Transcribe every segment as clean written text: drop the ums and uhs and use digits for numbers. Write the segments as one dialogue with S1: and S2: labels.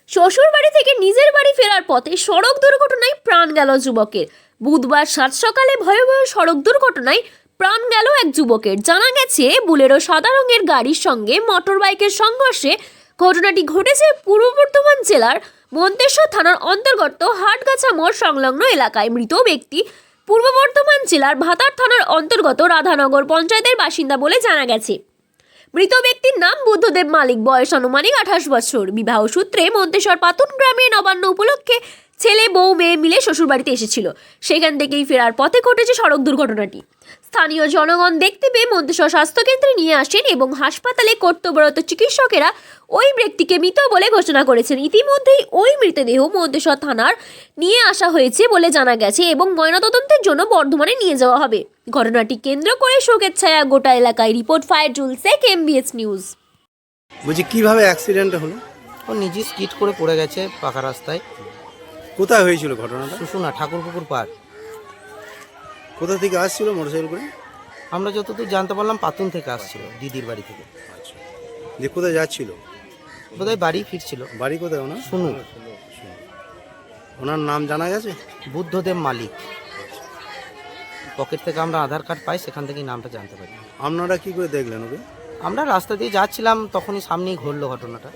S1: শ্বশুর বাড়ি থেকে নিজের বাড়ি ফেরার পথে সড়ক দুর্ঘটনায় প্রাণ গেল যুবকের। বুধবার সাত সকালে ভয়াবহ সড়ক দুর্ঘটনায় প্রাণ গেল এক যুবকের। জানা গেছে, বুলেরো সাদা রঙের গাড়ির সঙ্গে মোটর বাইকের সংঘর্ষে ঘটনাটি ঘটেছে পূর্ব বর্ধমান জেলার মন্তেশ্বর থানার অন্তর্গত হাটগাছা মোড় সংলগ্ন এলাকায়। মৃত ব্যক্তি পূর্ব বর্ধমান জেলার ভাতার থানার অন্তর্গত রাধানগর পঞ্চায়েতের বাসিন্দা বলে জানা গেছে। মৃত ব্যক্তির নাম বুদ্ধদেব মালিক, বয়স আনুমানিক 28 বছর। বিবাহ সূত্রে মন্তেশ্বর পাতুন গ্রামে নবান্ন উপলক্ষে ছেলে বউ মেয়ে মিলে শ্বশুরবাড়িতে এসেছিল। সেখান থেকেই ফেরার পথে ঘটেছে সড়ক দুর্ঘটনাটি। স্থানীয় জনগণ দেখতে পেয়ে মন্তেশ্বর স্বাস্থ্যকেন্দ্রে নিয়ে আসেন এবং হাসপাতালে কর্তব্যরত চিকিৎসকেরা ওই ব্যক্তিকে মৃত বলে ঘোষণা করেছেন। ইতিমধ্যেই ওই মৃতদেহ মন্তেশ্বর থানার নিয়ে আসা হয়েছে বলে জানা গেছে এবং ময়নাতদন্তের জন্য বর্ধমানে নিয়ে যাওয়া হবে। ঘটনাটি কেন্দ্র করে শোকের ছায়া গোটা এলাকায়। Report Fayarjul Sheikh, MBS news.
S2: বলছি কিভাবে অ্যাক্সিডেন্ট হলো?
S3: ও নিজে স্কিড করে পড়ে গেছে পাকা রাস্তায়।
S2: কোথায় হয়েছিল ঘটনাটা?
S3: শুশুনা ঠাকুরপুকুর পাড়।
S2: কোথা থেকে আসছিল মোটরসাইকেল করে?
S3: আমরা যতদূর জানতে পারলাম পাতুন থেকে আসছিল, দিদির বাড়ি থেকে।
S2: আচ্ছা, যে কোথায় যাচ্ছিল?
S3: বোধহয় বাড়ি ফিরছিল।
S2: বাড়ি কোথায় ওনার?
S3: শুনু।
S2: ওনার নাম জানা গেছে?
S3: বুদ্ধদেব মালিক। পকেট থেকে আমরা আধার কার্ড পাই, সেখান থেকেই নামটা জানতে পারি।
S2: আপনারা কি করে দেখলেন ওকে?
S3: আমরা রাস্তা দিয়ে যাচ্ছিলাম, তখনই সামনেই ঘটলো ঘটনাটা।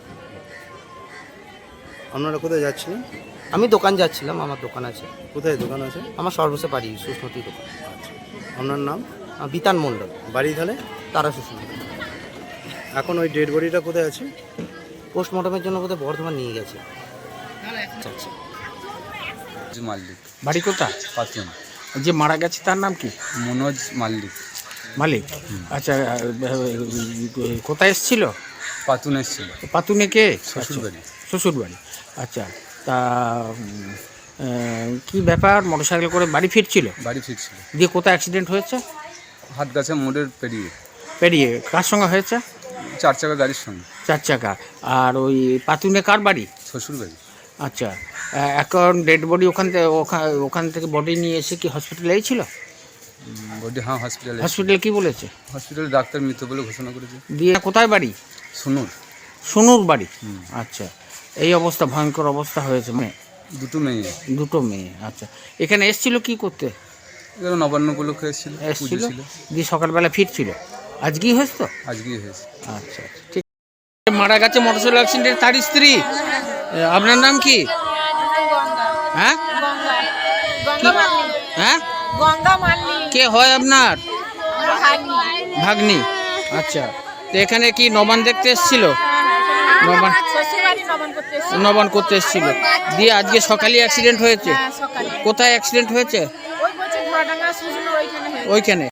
S2: আপনারা কোথায় যাচ্ছিলেন?
S3: আমি দোকান যাচ্ছিলাম, আমার দোকান আছে।
S2: কোথায় দোকান আছে?
S3: আমার সর্বসে পারি সুস্মতি দোকান।
S2: আচ্ছা, আপনার নাম?
S3: বিতান মণ্ডল,
S2: বাড়ি তাহলে?
S3: তারা শুশুনা।
S2: এখন ওই ডেড বডিটা কোথায় আছে?
S3: পোস্টমর্টমের জন্য বোধহয় বর্ধমান নিয়ে গেছে। আচ্ছা,
S4: মাল্লিক।
S5: বাড়ি কোথায়?
S4: পাতুন।
S5: যে মারা গেছে তার নাম কি?
S4: মনোজ মাল্লিক।
S5: মালিক। আচ্ছা, কোথায় এসেছিল?
S4: পাতুন এসেছিল।
S5: পাতুনে কে?
S4: শ্বশুরবাড়ি।
S5: শ্বশুর বাড়ি। আচ্ছা, তা কি ব্যাপার, মোটরসাইকেল করে বাড়ি ফিরছিল?
S4: বাড়ি ফিরছিল।
S5: দিয়ে কোথায় অ্যাক্সিডেন্ট হয়েছে?
S4: হাটগাছা মোড়ের
S5: পেরিয়ে কার সঙ্গে হয়েছে?
S4: 4 চাকা গাড়ির সঙ্গে।
S5: 4 চাকা। আর ওই পাতুনে কার বাড়ি?
S4: শ্বশুরবাড়ি।
S5: আচ্ছা, এখন ডেড বডি ওখান থেকে বডি নিয়ে এসে কি হসপিটালেই ছিল?
S4: বডি হ্যাঁ হসপিটালে।
S5: হসপিটাল কি বলেছে?
S4: হসপিটালে ডাক্তার মৃত বলে ঘোষণা করেছে।
S5: দিয়ে কোথায় বাড়ি?
S4: শুনুন।
S5: শুনুর বাড়ি। আচ্ছা, এই অবস্থা, ভয়ঙ্কর অবস্থা হয়েছে। মানে
S4: দুটো মেয়ে।
S5: আচ্ছা, এখানে এসেছিল কি করতে?
S4: এগুলো নবান্ন উপলক্ষে এসেছিল।
S5: দিয়ে সকালবেলা ফিরছিল। আজকেই হয়েছে তো?
S4: আজকেই হয়েছে।
S5: আচ্ছা, ঠিক। মারা গেছে মোটরসাইকেল অ্যাক্সিডেন্টে তার স্ত্রী। আপনার নাম কি? হ্যাঁ হ্যাঁ, কে হয় আপনার? ভাগ্নি। আচ্ছা, তো এখানে কি নবান দেখতে এসেছিল? নবান করতে এসেছিল। দিয়ে আজকে সকালে অ্যাক্সিডেন্ট হয়েছে। কোথায় অ্যাক্সিডেন্ট হয়েছে? ওইখানে।